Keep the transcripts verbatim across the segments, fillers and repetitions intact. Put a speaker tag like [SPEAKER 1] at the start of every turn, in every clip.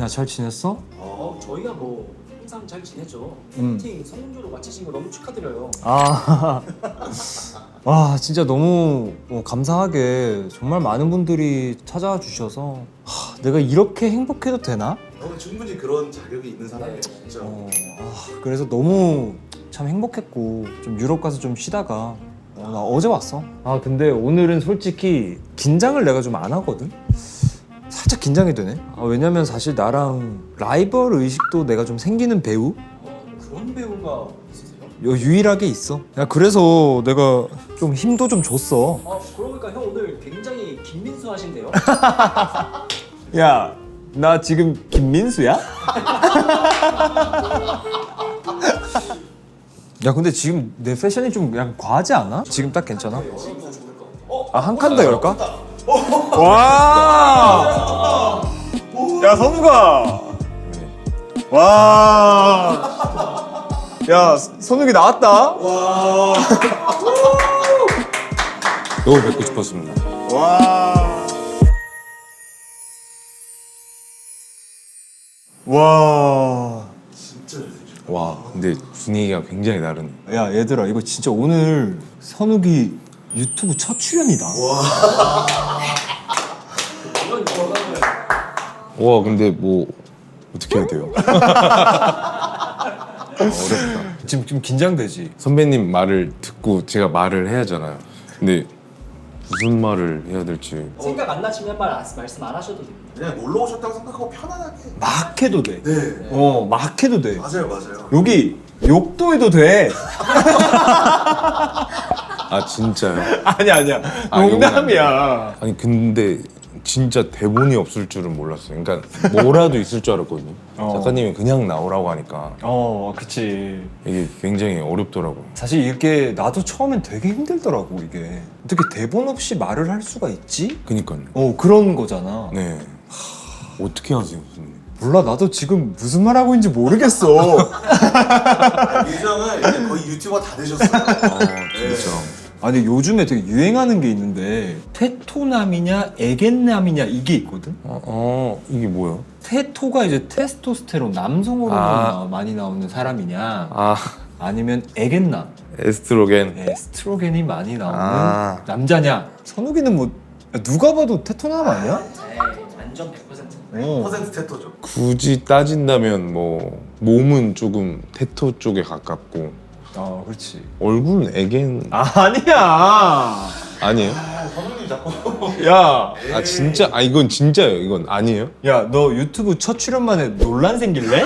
[SPEAKER 1] 야, 잘 지냈어?
[SPEAKER 2] 어, 저희가 뭐 항상 잘 지내죠.
[SPEAKER 1] 음.
[SPEAKER 2] 팬미팅 성공적으로 마치신 거 너무 축하드려요.
[SPEAKER 1] 아, 와 진짜 너무 어, 감사하게 정말 많은 분들이 찾아와 주셔서 하, 내가 이렇게 행복해도 되나?
[SPEAKER 3] 너는 충분히 그런 자격이 있는 사람이에요,
[SPEAKER 2] 네.
[SPEAKER 3] 진짜.
[SPEAKER 1] 어, 아, 그래서 너무 참 행복했고 좀 유럽 가서 좀 쉬다가 어, 나 어제 왔어. 아 근데 오늘은 솔직히 긴장을 내가 좀 안 하거든. 살짝 긴장이 되네. 아, 왜냐면 사실 나랑 라이벌 의식도 내가 좀 생기는 배우
[SPEAKER 2] 어, 그런 배우가 있으세요?
[SPEAKER 1] 요 유일하게 있어. 야 그래서 내가 좀 힘도 좀 줬어.
[SPEAKER 2] 아, 그러고 보니까 형 오늘 굉장히 김민수 하신데요?
[SPEAKER 1] 야, 나 지금 김민수야? 야 근데 지금 내 패션이 좀 약간 과하지 않아? 지금 딱 괜찮아? 아 한 칸 더 열까? 와! 야 선우가! 와! 야 선욱이 나왔다?
[SPEAKER 4] 너무 뵙고 싶었습니다.
[SPEAKER 1] 와! 와!
[SPEAKER 3] 진짜 잘생겼어.
[SPEAKER 4] 와, 근데 분위기가 굉장히 다르네.
[SPEAKER 1] 야 얘들아 이거 진짜 오늘 선욱이 유튜브 첫 출연이다.
[SPEAKER 2] 이런 결과를
[SPEAKER 4] 와, 근데 뭐 어떻게 해야 돼요? 아, 어렵다.
[SPEAKER 1] 지금 좀 긴장되지?
[SPEAKER 4] 선배님 말을 듣고 제가 말을 해야 하잖아요. 근데 무슨 말을 해야 될지.
[SPEAKER 2] 생각 안 나시면 말 안- 말씀 안 하셔도 됩니다.
[SPEAKER 3] 그냥 놀러 오셨다고 생각하고 편안하게.
[SPEAKER 1] 막 해도 돼.
[SPEAKER 3] 네.
[SPEAKER 1] 어, 막 해도 돼.
[SPEAKER 3] 맞아요, 맞아요.
[SPEAKER 1] 여기 욕도 해도 돼.
[SPEAKER 4] 아 진짜요?
[SPEAKER 1] 아니야 아니야.
[SPEAKER 4] 아,
[SPEAKER 1] 농담이야.
[SPEAKER 4] 아니 근데 진짜 대본이 없을 줄은 몰랐어요. 그러니까 뭐라도 있을 줄 알았거든요.
[SPEAKER 1] 어.
[SPEAKER 4] 작가님이 그냥 나오라고 하니까
[SPEAKER 1] 어, 그치.
[SPEAKER 4] 이게 굉장히 어렵더라고요.
[SPEAKER 1] 사실 이게 나도 처음엔 되게 힘들더라고 이게. 어떻게 대본 없이 말을 할 수가 있지?
[SPEAKER 4] 그니까요.
[SPEAKER 1] 어, 그런 거잖아.
[SPEAKER 4] 네. 어떻게 하세요, 선생님?
[SPEAKER 1] 몰라 나도 지금 무슨 말 하고 있는지 모르겠어.
[SPEAKER 3] 유정은 이제 거의 유튜버 다 되셨어요.
[SPEAKER 4] 아 진짜.
[SPEAKER 1] 아니 요즘에 되게 유행하는 게 있는데 테토남이냐 에겐남이냐 이게 있거든?
[SPEAKER 4] 어, 어 이게 뭐야?
[SPEAKER 1] 테토가 이제 테스토스테론 남성 호르몬이
[SPEAKER 4] 아.
[SPEAKER 1] 나- 많이 나오는 사람이냐
[SPEAKER 4] 아
[SPEAKER 1] 아니면 에겐남
[SPEAKER 4] 에스트로겐.
[SPEAKER 1] 에스트로겐이 많이 나오는
[SPEAKER 4] 아.
[SPEAKER 1] 남자냐. 선욱이는 뭐 야, 누가 봐도 테토남 아니야?
[SPEAKER 2] 네, 완전 백 퍼센트.
[SPEAKER 1] 어.
[SPEAKER 3] 퍼센트 테토죠.
[SPEAKER 4] 굳이 따진다면 뭐 몸은 조금 테토 쪽에 가깝고
[SPEAKER 1] 아 그렇지.
[SPEAKER 4] 얼굴은 에겐
[SPEAKER 1] 아니야.
[SPEAKER 4] 아니에요?
[SPEAKER 3] 아, 선우님 자꾸.
[SPEAKER 1] 야,
[SPEAKER 4] 아 진짜? 아 이건 진짜예요. 이건 아니에요?
[SPEAKER 1] 야 너 유튜브 첫 출연만에 논란 생길래?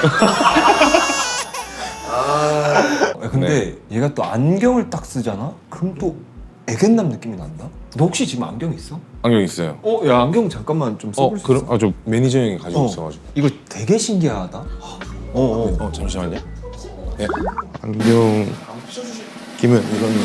[SPEAKER 3] 아,
[SPEAKER 1] 야, 근데 얘가 또 안경을 딱 쓰잖아? 그럼 또 에겐남 느낌이 난다? 너 혹시 지금 안경 있어?
[SPEAKER 4] 안경 있어요.
[SPEAKER 1] 어, 야 안경 잠깐만 좀
[SPEAKER 4] 어
[SPEAKER 1] 써볼 수
[SPEAKER 4] 그럼
[SPEAKER 1] 있어?
[SPEAKER 4] 아 저 매니저 형이 가지고
[SPEAKER 1] 어.
[SPEAKER 4] 있어가지고.
[SPEAKER 1] 이거 되게 신기하다. 어, 어.
[SPEAKER 4] 어 잠시만요. 네. 안경 끼면 이거는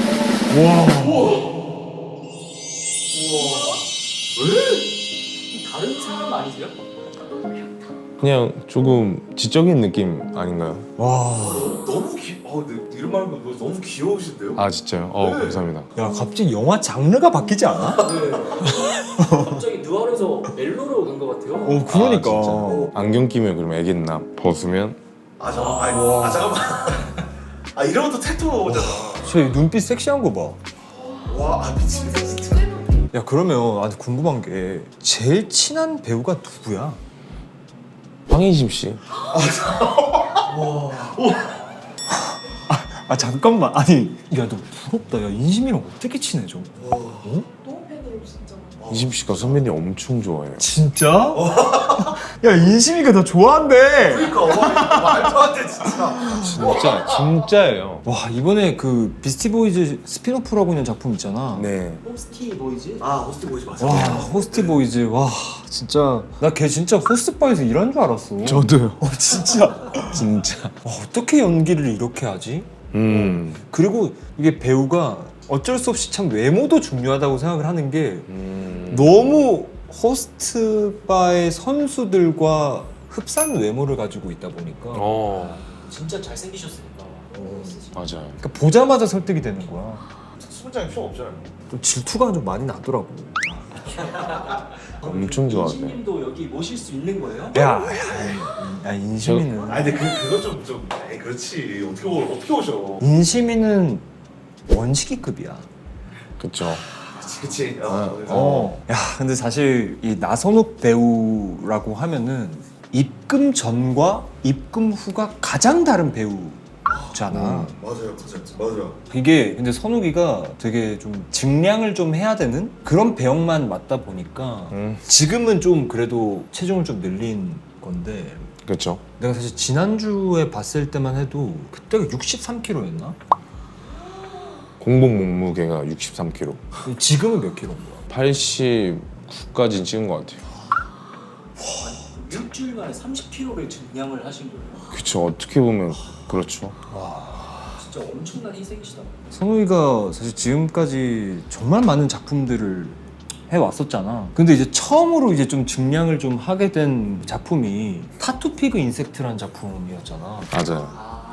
[SPEAKER 2] 다른 사람 아니세요?
[SPEAKER 4] 그냥 조금 지적인 느낌 아닌가요?
[SPEAKER 1] 와,
[SPEAKER 3] 너무 귀. 어, 근데 이런 말 하면 너무 귀여우신데요?
[SPEAKER 4] 아 진짜요? 어 감사합니다.
[SPEAKER 1] 야 갑자기 영화 장르가 바뀌지 않아?
[SPEAKER 2] 네. 갑자기 누아르에서 멜로로 간 것 같아요.
[SPEAKER 1] 어, 그러니까.
[SPEAKER 4] 아, 진짜. 안경 끼면 그러면 애겠나 벗으면
[SPEAKER 3] 아, 잠깐. 아, 아, 잠깐만. 아, 이러면 또 테토잖아.
[SPEAKER 1] 저 눈빛 섹시한 거 봐.
[SPEAKER 3] 와, 아, 미치겠다, 진짜.
[SPEAKER 1] 야 그러면 아주 궁금한 게 제일 친한 배우가 누구야?
[SPEAKER 4] 황인심 씨.
[SPEAKER 1] 아 잠깐만 아니 야 너 부럽다. 야 인심이랑 어떻게 친해져?
[SPEAKER 3] 어?
[SPEAKER 5] 너무 팬이에요 진짜.
[SPEAKER 4] 인심 씨가 선배님 엄청 좋아해요.
[SPEAKER 1] 진짜? 야 인심이가 너 좋아한대.
[SPEAKER 3] 그러니까, 어머니, 말도 안 돼, 진짜.
[SPEAKER 4] 진짜 진짜예요.
[SPEAKER 1] 와 이번에 그 비스티 보이즈 스피노프라고 있는 작품 있잖아.
[SPEAKER 4] 네.
[SPEAKER 2] 홈스티 보이즈?
[SPEAKER 3] 아, 호스트 보이지 마세요.
[SPEAKER 1] 와 호스티 보이즈 와 진짜 나 걔 진짜 호스트바에서 일한 줄 알았어.
[SPEAKER 4] 저도요.
[SPEAKER 1] 어 진짜.
[SPEAKER 4] 진짜.
[SPEAKER 1] 와, 어떻게 연기를 이렇게 하지?
[SPEAKER 4] 음.
[SPEAKER 1] 그리고 이게 배우가 어쩔 수 없이 참 외모도 중요하다고 생각을 하는 게
[SPEAKER 4] 음.
[SPEAKER 1] 너무 호스트바의 선수들과 흡사한 외모를 가지고 있다 보니까
[SPEAKER 4] 어
[SPEAKER 2] 진짜 잘생기셨으니까. 어.
[SPEAKER 4] 맞아요.
[SPEAKER 1] 그러니까 보자마자 설득이 되는 거야.
[SPEAKER 3] 수분장이 필요 없잖아요.
[SPEAKER 1] 좀 질투가 좀 많이 나더라고.
[SPEAKER 4] 엄청 좋아하세요.
[SPEAKER 2] 인신님도 여기 모실 수 있는 거예요?
[SPEAKER 1] 야, 야, 야 인시민은
[SPEAKER 3] 아 근데 그 그거 좀좀 에이 그렇지 어떻게 오, 어떻게 오셔?
[SPEAKER 1] 인시민은 원식이급이야.
[SPEAKER 4] 그쵸.
[SPEAKER 3] 그치 그치. 어, 그래서
[SPEAKER 1] 어. 야, 근데 사실 이 나선욱 배우라고 하면은 입금 전과 입금 후가 가장 다른 배우잖아.
[SPEAKER 3] 맞아요 맞아요 맞아요.
[SPEAKER 1] 이게 근데 선욱이가 되게 좀 증량을 좀 해야 되는 그런 배역만 맡다 보니까
[SPEAKER 4] 음.
[SPEAKER 1] 지금은 좀 그래도 체중을 좀 늘린 건데
[SPEAKER 4] 그쵸.
[SPEAKER 1] 내가 사실 지난주에 봤을 때만 해도 그때가 육십삼 킬로였나?
[SPEAKER 4] 공복 몸무게가 육십삼 킬로그램.
[SPEAKER 1] 지금은 몇 킬로인 거야?
[SPEAKER 4] 팔십구까지는 찍은 것 같아요.
[SPEAKER 2] 일주일 만에 삼십 킬로그램를 증량을 하신 거예요.
[SPEAKER 4] 그쵸. 어떻게 보면 그렇죠.
[SPEAKER 2] 진짜 엄청난 희생이시다.
[SPEAKER 1] 선우이가 사실 지금까지 정말 많은 작품들을 해왔었잖아. 근데 이제 처음으로 이제 좀 증량을 좀 하게 된 작품이 타투피그 인섹트라는 작품이었잖아.
[SPEAKER 4] 맞아요.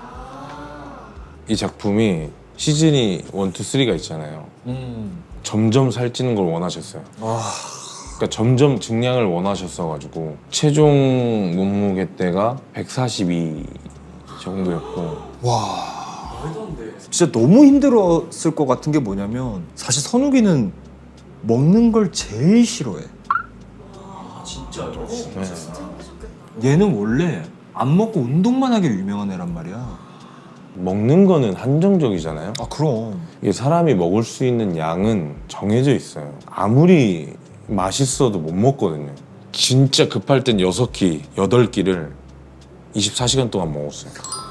[SPEAKER 4] 이 작품이 시즌이 일, 이, 삼가 있잖아요.
[SPEAKER 1] 음.
[SPEAKER 4] 점점 살찌는 걸 원하셨어요.
[SPEAKER 1] 와.
[SPEAKER 4] 그러니까 점점 증량을 원하셨어가지고 최종 몸무게 때가 백사십이 정도였고.
[SPEAKER 1] 와.
[SPEAKER 2] 말도 안 돼.
[SPEAKER 1] 진짜 너무 힘들었을 것 같은 게 뭐냐면 사실 선욱이는 먹는 걸 제일 싫어해.
[SPEAKER 2] 아 진짜요?
[SPEAKER 4] 네.
[SPEAKER 1] 얘는 원래 안 먹고 운동만 하게 유명한 애란 말이야.
[SPEAKER 4] 먹는 거는 한정적이잖아요.
[SPEAKER 1] 아 그럼.
[SPEAKER 4] 이게 사람이 먹을 수 있는 양은 정해져 있어요. 아무리 맛있어도 못 먹거든요. 진짜 급할 땐 여섯 끼, 여덟 끼를 이십사 시간 동안 먹었어요.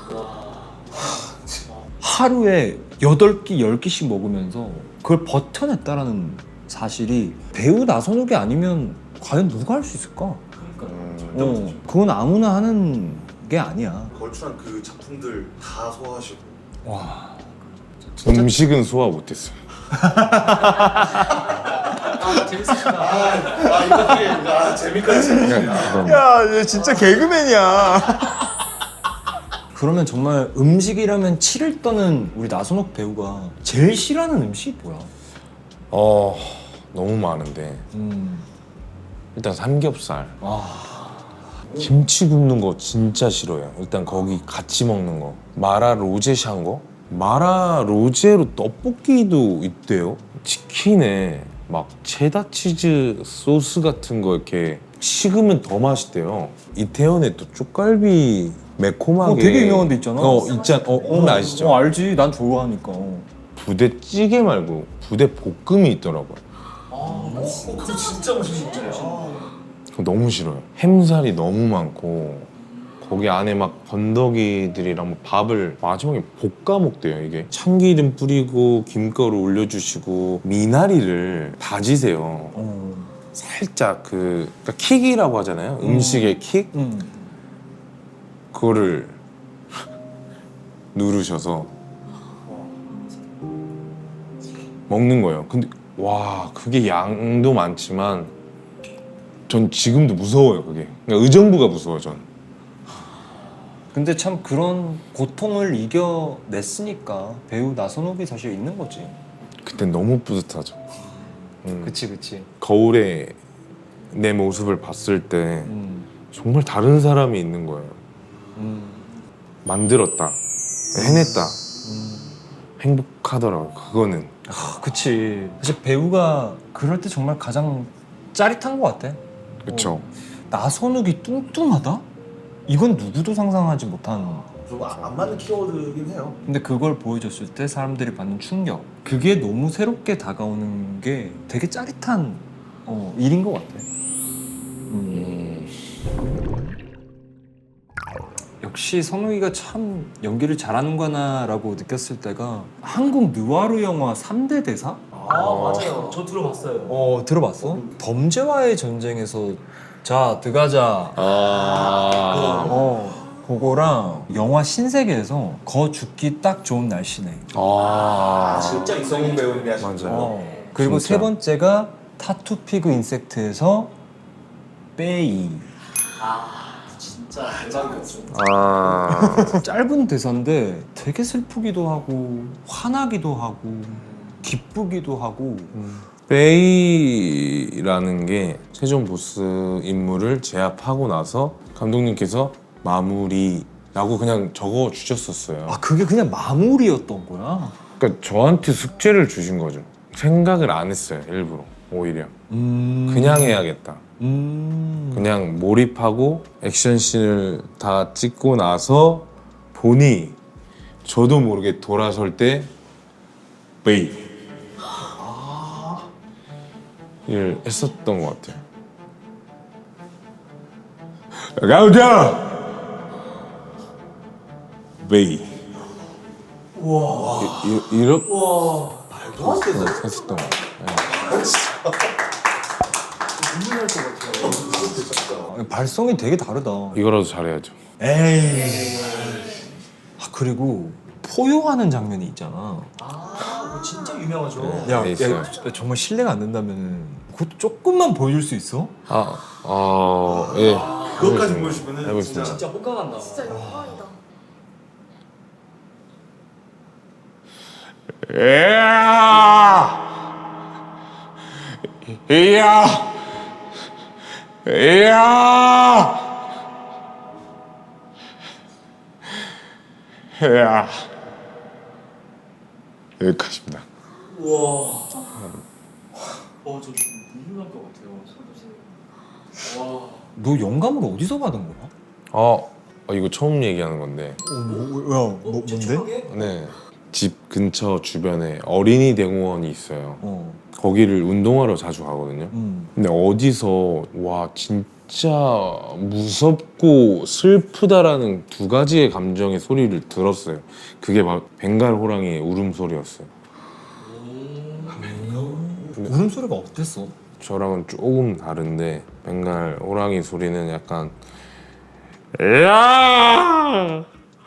[SPEAKER 1] 하루에 여덟 끼, 열 끼씩 먹으면서 그걸 버텨냈다라는 사실이 배우 나선욱이 아니면 과연 누가 할 수 있을까?
[SPEAKER 2] 그러니까
[SPEAKER 1] 어, 그건 아무나 하는 게 아니야.
[SPEAKER 3] 걸출한 그 작품들 다 소화하시고.
[SPEAKER 1] 와.
[SPEAKER 4] 음식은 소화 못했어요.
[SPEAKER 2] 아 재밌으시다.
[SPEAKER 3] 아 이거 되게 아 재미까지.
[SPEAKER 4] 그냥
[SPEAKER 1] 야, 얘 진짜 개그맨이야. 그러면 정말 음식이라면 치를 떠는 우리 나선욱 배우가 제일 싫어하는 음식이 뭐야?
[SPEAKER 4] 어 너무 많은데
[SPEAKER 1] 음.
[SPEAKER 4] 일단 삼겹살.
[SPEAKER 1] 아.
[SPEAKER 4] 김치 굽는 거 진짜 싫어요. 일단 거기 같이 먹는 거. 마라 로제샹거? 마라 로제로 떡볶이도 있대요. 치킨에 막 체다 치즈 소스 같은 거 이렇게 식으면 더 맛있대요. 이태원에 또 쪽갈비 매콤하게.
[SPEAKER 1] 어, 되게 유명한 데 있잖아.
[SPEAKER 4] 어 있잖아. 어, 어 아시죠?
[SPEAKER 1] 어, 알지. 난 좋아하니까.
[SPEAKER 4] 부대찌개 말고 부대볶음이 있더라고요.
[SPEAKER 2] 아
[SPEAKER 3] 어, 그거 진짜 맛있어.
[SPEAKER 4] 그거 너무 싫어요. 햄살이 너무 많고 거기 안에 막 건더기들이랑 뭐 밥을 마지막에 볶아 먹대요. 이게 참기름 뿌리고 김가루 올려주시고 미나리를 다지세요.
[SPEAKER 1] 어.
[SPEAKER 4] 살짝 그 그러니까 킥이라고 하잖아요. 음식의 킥
[SPEAKER 1] 음.
[SPEAKER 4] 그거를 누르셔서 먹는 거예요. 근데 와 그게 양도 많지만 전 지금도 무서워요. 그게 그러니까 의정부가 무서워 전.
[SPEAKER 1] 근데 참 그런 고통을 이겨냈으니까 배우 나선욱이 사실 있는 거지.
[SPEAKER 4] 그때 너무 뿌듯하죠. 음.
[SPEAKER 1] 그치 그치.
[SPEAKER 4] 거울에 내 모습을 봤을 때
[SPEAKER 1] 음.
[SPEAKER 4] 정말 다른 사람이 있는 거예요.
[SPEAKER 1] 음.
[SPEAKER 4] 만들었다, 해냈다,
[SPEAKER 1] 음.
[SPEAKER 4] 행복하더라고요. 그거는.
[SPEAKER 1] 아, 그치. 사실 배우가 그럴 때 정말 가장 짜릿한 것 같아.
[SPEAKER 4] 그쵸.
[SPEAKER 1] 어. 나선욱이 뚱뚱하다? 이건 누구도 상상하지 못한.
[SPEAKER 3] 좀안 맞는 키워드긴 해요.
[SPEAKER 1] 근데 그걸 보여줬을 때 사람들이 받는 충격, 그게 너무 새롭게 다가오는 게 되게 짜릿한 어, 일인 것 같아. 음. 역시 선우이가 참 연기를 잘하는구나라고 느꼈을 때가 한국 느와르 영화 삼 대 대사?
[SPEAKER 2] 아 맞아요. 저 들어봤어요.
[SPEAKER 1] 어 들어봤어? 범죄와의 전쟁에서 자 들어가자.
[SPEAKER 4] 아.
[SPEAKER 1] 어 그거랑 영화 신세계에서 거 죽기 딱 좋은 날씨네.
[SPEAKER 4] 아.
[SPEAKER 2] 진짜
[SPEAKER 3] 이성훈
[SPEAKER 2] 이성훈
[SPEAKER 3] 배우님이 하신
[SPEAKER 4] 맞아요.
[SPEAKER 3] 거.
[SPEAKER 1] 어. 그리고
[SPEAKER 4] 진짜.
[SPEAKER 1] 세 번째가 타투피그 인섹트에서 빼이.
[SPEAKER 2] 아 진짜 대박이었어.
[SPEAKER 4] 아.
[SPEAKER 1] 짧은 대사인데 되게 슬프기도 하고 화나기도 하고 기쁘기도 하고
[SPEAKER 4] 베이라는 게 최종 보스 인물을 제압하고 나서 감독님께서 마무리라고 그냥 적어 주셨었어요.
[SPEAKER 1] 아 그게 그냥 마무리였던 거야?
[SPEAKER 4] 그러니까 저한테 숙제를 주신 거죠. 생각을 안 했어요, 일부러. 오히려
[SPEAKER 1] 음...
[SPEAKER 4] 그냥 해야겠다.
[SPEAKER 1] 음...
[SPEAKER 4] 그냥 몰입하고 액션씬을 다 찍고 나서 보니 저도 모르게 돌아설 때 베이 를 했었던 것 같아요. 가우자 베이.
[SPEAKER 2] 와.
[SPEAKER 4] 이, 이, 이렇게
[SPEAKER 2] 와.
[SPEAKER 3] 말도 안 된다.
[SPEAKER 4] 했었던 것 같아요.
[SPEAKER 2] 눈물 날것 같아요.
[SPEAKER 3] 진짜.
[SPEAKER 1] 발성이 되게 다르다.
[SPEAKER 4] 이거라도 잘해야죠.
[SPEAKER 1] 에이. 아 그리고 포효하는 장면이 있잖아.
[SPEAKER 2] 아, 이거 진짜 유명하죠.
[SPEAKER 1] 야,
[SPEAKER 4] 네, 있어요.
[SPEAKER 1] 야 정말 신뢰가 안 된다면 그것도 조금만 보여줄 수 있어?
[SPEAKER 4] 아, 어, 예.
[SPEAKER 3] 그것까지 보여주면은
[SPEAKER 4] 해보겠습니다.
[SPEAKER 3] 진짜.
[SPEAKER 2] 진짜 호강한다.
[SPEAKER 5] 진짜 영광이다.
[SPEAKER 4] 이야! 이야! 이야! 이야! 여기까지입니다.
[SPEAKER 2] 우와. 어, 저 눈물 날 것 같아요. 와.
[SPEAKER 1] 너 영감을 어디서 받은 거야?
[SPEAKER 4] 어, 어, 이거 처음 얘기하는 건데.
[SPEAKER 1] 어, 뭐, 야, 뭐,
[SPEAKER 2] 어,
[SPEAKER 1] 뭔데?
[SPEAKER 2] 제초하게?
[SPEAKER 4] 네. 집 근처 주변에 어린이 대공원이 있어요.
[SPEAKER 1] 어,
[SPEAKER 4] 거기를 운동하러 자주 가거든요.
[SPEAKER 1] 음.
[SPEAKER 4] 근데 어디서 와 진짜 무섭고 슬프다라는 두 가지의 감정의 소리를 들었어요. 그게 막 벵갈 호랑이의 울음소리였어요.
[SPEAKER 1] 울음소리가 어땠어?
[SPEAKER 4] 저랑은 조금 다른데 벵갈 호랑이 소리는 약간 야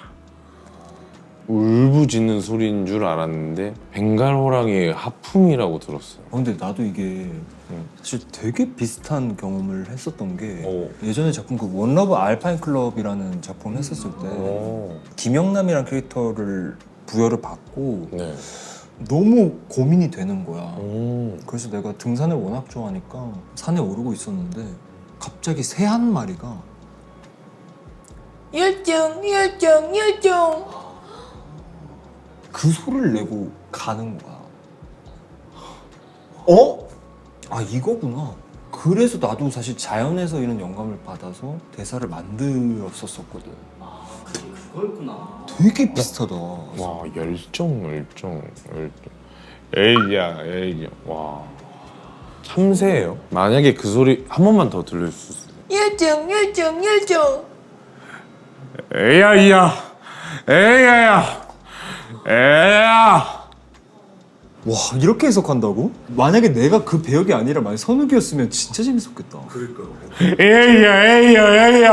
[SPEAKER 4] 울부짖는 소리인 줄 알았는데 벵갈 호랑이의 하품이라고 들었어요.
[SPEAKER 1] 어, 근데 나도 이게 사실 되게 비슷한 경험을 했었던 게
[SPEAKER 4] 오.
[SPEAKER 1] 예전에 작품 그 원러브 알파인 클럽이라는 작품을 했었을 때
[SPEAKER 4] 오.
[SPEAKER 1] 김영남이라는 캐릭터를 부여를 받고
[SPEAKER 4] 네.
[SPEAKER 1] 너무 고민이 되는 거야.
[SPEAKER 4] 음.
[SPEAKER 1] 그래서 내가 등산을 워낙 좋아하니까 산에 오르고 있었는데 갑자기 새 한 마리가
[SPEAKER 5] 열정, 열정, 열정.
[SPEAKER 1] 그 소리를 내고 가는 거야. 어? 아 이거구나. 그래서 나도 사실 자연에서 이런 영감을 받아서 대사를 만들었었거든.
[SPEAKER 2] 아, 그게 그거였구나.
[SPEAKER 1] 되게 비슷하다.
[SPEAKER 4] 와 열정 열정 열정 에이야 에이야 와 참새예요. 만약에 그 소리 한 번만 더 들릴 수 있어요.
[SPEAKER 5] 열정, 열정, 열정.
[SPEAKER 4] 에이야 이야 에이야야 에이야.
[SPEAKER 1] 와 이렇게 해석한다고? 만약에 내가 그 배역이 아니라 만약 선욱이었으면 진짜 재밌었겠다.
[SPEAKER 3] 그러니까.
[SPEAKER 4] 에이야 에이야 에이야.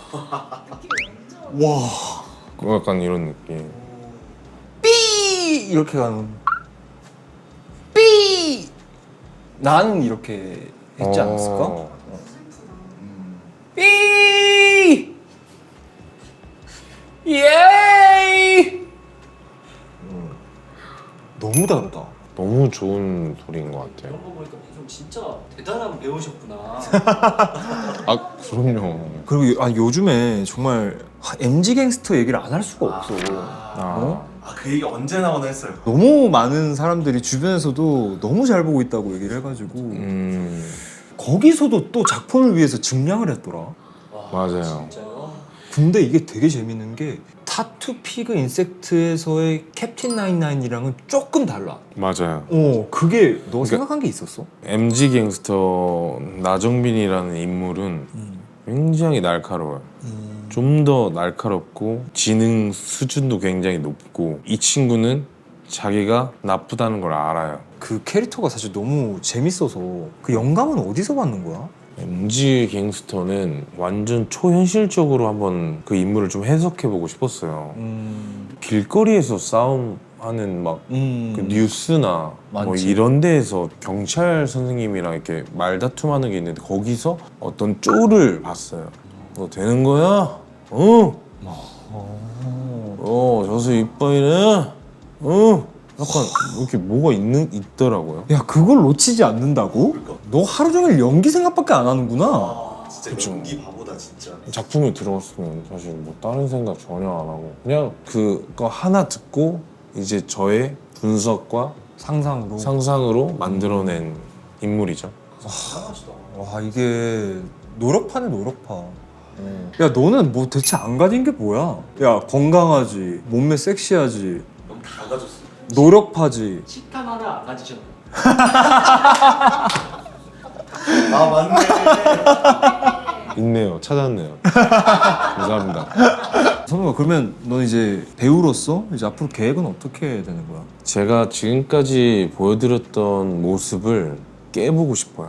[SPEAKER 1] 와
[SPEAKER 4] 약간 이런 느낌.
[SPEAKER 1] 삐 이렇게 가는.
[SPEAKER 5] 삐.
[SPEAKER 1] 나는 이렇게 했지 않았을까?
[SPEAKER 4] 어.
[SPEAKER 5] 삐. 예이.
[SPEAKER 1] 너무 다르다.
[SPEAKER 4] 너무 좋은 소리인 것 같아요.
[SPEAKER 2] 이런 거 보니까 좀 진짜 대단한 배우셨구나.
[SPEAKER 4] 아 그럼요.
[SPEAKER 1] 그리고 아, 요즘에 정말 엠지 갱스터 얘기를 안 할 수가 없어.
[SPEAKER 4] 아.
[SPEAKER 1] 어?
[SPEAKER 3] 아, 그 얘기 언제 나오나 했어요.
[SPEAKER 1] 너무 많은 사람들이 주변에서도 너무 잘 보고 있다고 얘기를 해가지고
[SPEAKER 4] 음
[SPEAKER 1] 거기서도 또 작품을 위해서 증량을 했더라.
[SPEAKER 2] 와,
[SPEAKER 4] 맞아요.
[SPEAKER 2] 진짜요?
[SPEAKER 1] 근데 이게 되게 재밌는 게 타투 피그 인섹트에서의 캡틴 나인나인이랑은 조금 달라.
[SPEAKER 4] 맞아요.
[SPEAKER 1] 어, 그게 너
[SPEAKER 4] 그러니까-
[SPEAKER 1] 생각한 게 있었어?
[SPEAKER 4] 엠지 갱스터 나정빈이라는 인물은
[SPEAKER 1] 음.
[SPEAKER 4] 굉장히 날카로워요.
[SPEAKER 1] 음.
[SPEAKER 4] 좀 더 날카롭고 지능 수준도 굉장히 높고 이 친구는 자기가 나쁘다는 걸 알아요.
[SPEAKER 1] 그 캐릭터가 사실 너무 재밌어서 그 영감은 어디서 받는 거야?
[SPEAKER 4] 엠지 갱스터는 완전 초현실적으로 한번 그 인물을 좀 해석해보고 싶었어요.
[SPEAKER 1] 음.
[SPEAKER 4] 길거리에서 싸움하는 막
[SPEAKER 1] 음.
[SPEAKER 4] 그 뉴스나 뭐
[SPEAKER 1] 많지.
[SPEAKER 4] 이런 데에서 경찰 선생님이랑 이렇게 말다툼하는 게 있는데 거기서 어떤 쪼를 봤어요. 너 되는 거야? 어?
[SPEAKER 1] 어.
[SPEAKER 4] 어, 저수 이빠이네? 어? 약간 이렇게 뭐가 있는 있더라고요.
[SPEAKER 1] 야 그걸 놓치지 않는다고?
[SPEAKER 3] 그러니까.
[SPEAKER 1] 너 하루 종일 연기 생각밖에 안 하는구나.
[SPEAKER 3] 아, 진짜
[SPEAKER 4] 그쵸.
[SPEAKER 3] 연기 바보다 진짜.
[SPEAKER 4] 작품에 들어갔으면 사실 뭐 다른 생각 전혀 안 하고 그냥 그거 하나 듣고 이제 저의 분석과
[SPEAKER 1] 상상으로.
[SPEAKER 4] 상상으로 만들어낸 인물이죠.
[SPEAKER 3] 대단하시다.
[SPEAKER 1] 와 이게 노력파네 노력파. 야 너는 뭐 대체 안 가진 게 뭐야? 야 건강하지, 몸매 섹시하지,
[SPEAKER 3] 너무 다 가졌어.
[SPEAKER 1] 노력파지.
[SPEAKER 2] 식탐 하나 안 가지셨나요?
[SPEAKER 3] 아 맞네.
[SPEAKER 4] 있네요. 찾았네요. 감사합니다.
[SPEAKER 1] 선우가 그러면 너 이제 배우로서 이제 앞으로 계획은 어떻게 되는 거야?
[SPEAKER 4] 제가 지금까지 보여드렸던 모습을 깨보고 싶어요.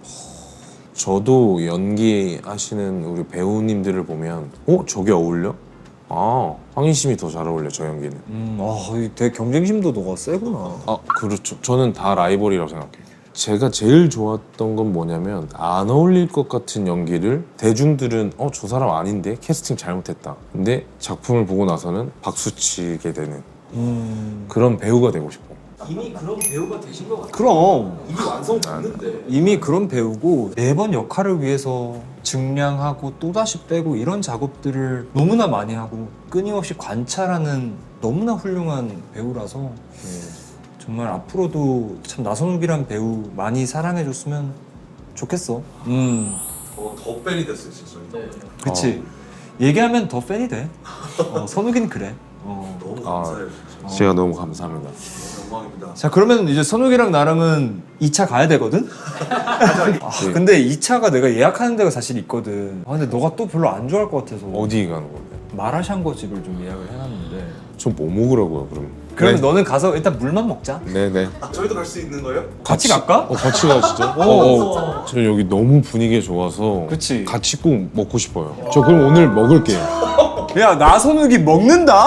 [SPEAKER 4] 저도 연기하시는 우리 배우님들을 보면 어? 저게 어울려? 아, 황인심이 더 잘 어울려, 저 연기는.
[SPEAKER 1] 음, 아 되게 경쟁심도 너가 세구나.
[SPEAKER 4] 아, 그렇죠. 저는 다 라이벌이라고 생각해요. 제가 제일 좋았던 건 뭐냐면 안 어울릴 것 같은 연기를 대중들은 어, 저 사람 아닌데? 캐스팅 잘못했다. 근데 작품을 보고 나서는 박수치게 되는
[SPEAKER 1] 음,
[SPEAKER 4] 그런 배우가 되고 싶어.
[SPEAKER 2] 이미 그런 배우가 되신 것 같아요.
[SPEAKER 1] 그럼
[SPEAKER 3] 이미 완성 됐는데.
[SPEAKER 1] 이미 그런 배우고 매번 역할을 위해서 증량하고 또다시 빼고 이런 작업들을 너무나 많이 하고 끊임없이 관찰하는 너무나 훌륭한 배우라서 정말 앞으로도 참 나선욱이란 배우 많이 사랑해줬으면 좋겠어. 음,
[SPEAKER 3] 어, 더 팬이 됐어요 진짜.
[SPEAKER 2] 네.
[SPEAKER 1] 그치. 얘기하면 더 팬이 돼. 어, 선욱이는 그래. 어.
[SPEAKER 3] 너무
[SPEAKER 4] 아.
[SPEAKER 3] 감사해요. 진짜.
[SPEAKER 4] 제가 너무 감사합니다.
[SPEAKER 3] 영광입니다.
[SPEAKER 1] 자 그러면 이제 선욱이랑 나랑은 이 차 가야 되거든? 아,
[SPEAKER 4] 네.
[SPEAKER 1] 근데 이 차가 내가 예약하는 데가 사실 있거든. 아 근데 너가 또 별로 안 좋아할 것 같아서
[SPEAKER 4] 어디 가는 건데?
[SPEAKER 1] 마라샹궈 집을 좀 예약을 해놨는데
[SPEAKER 4] 저 뭐 먹으라고요, 그럼?
[SPEAKER 1] 그러면
[SPEAKER 4] 네.
[SPEAKER 1] 너는 가서 일단 물만 먹자.
[SPEAKER 4] 네네.
[SPEAKER 3] 아, 저희도 갈 수 있는 거예요?
[SPEAKER 1] 같이 갈까?
[SPEAKER 4] 어, 같이 가시죠. 어, 어. 저 여기 너무 분위기 좋아서
[SPEAKER 1] 그치.
[SPEAKER 4] 같이 꼭 먹고 싶어요. 저 그럼 오늘 먹을게요.
[SPEAKER 1] 야 나선욱이 먹는다?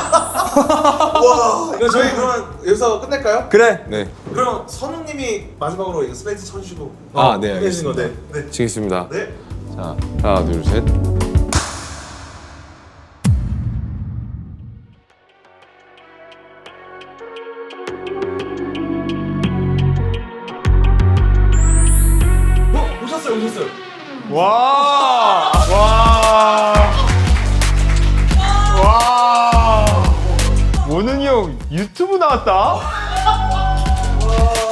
[SPEAKER 3] 와, 이거 저희 그러면 여기서 끝낼까요?
[SPEAKER 1] 그래.
[SPEAKER 4] 네.
[SPEAKER 3] 그럼 선웅님이 마지막으로 이거 스페이스 쳐주시고
[SPEAKER 4] 아, 네,
[SPEAKER 3] 끝내시는 거,
[SPEAKER 4] 알겠습니다.
[SPEAKER 3] 네. 네.
[SPEAKER 4] 치겠습니다.
[SPEAKER 3] 네.
[SPEAKER 4] 자, 하나, 둘, 셋.
[SPEAKER 3] 어, 오셨어요, 오셨어요.
[SPEAKER 1] 와. 와. 와. 원은이 형 유튜브 나왔다.
[SPEAKER 3] 와.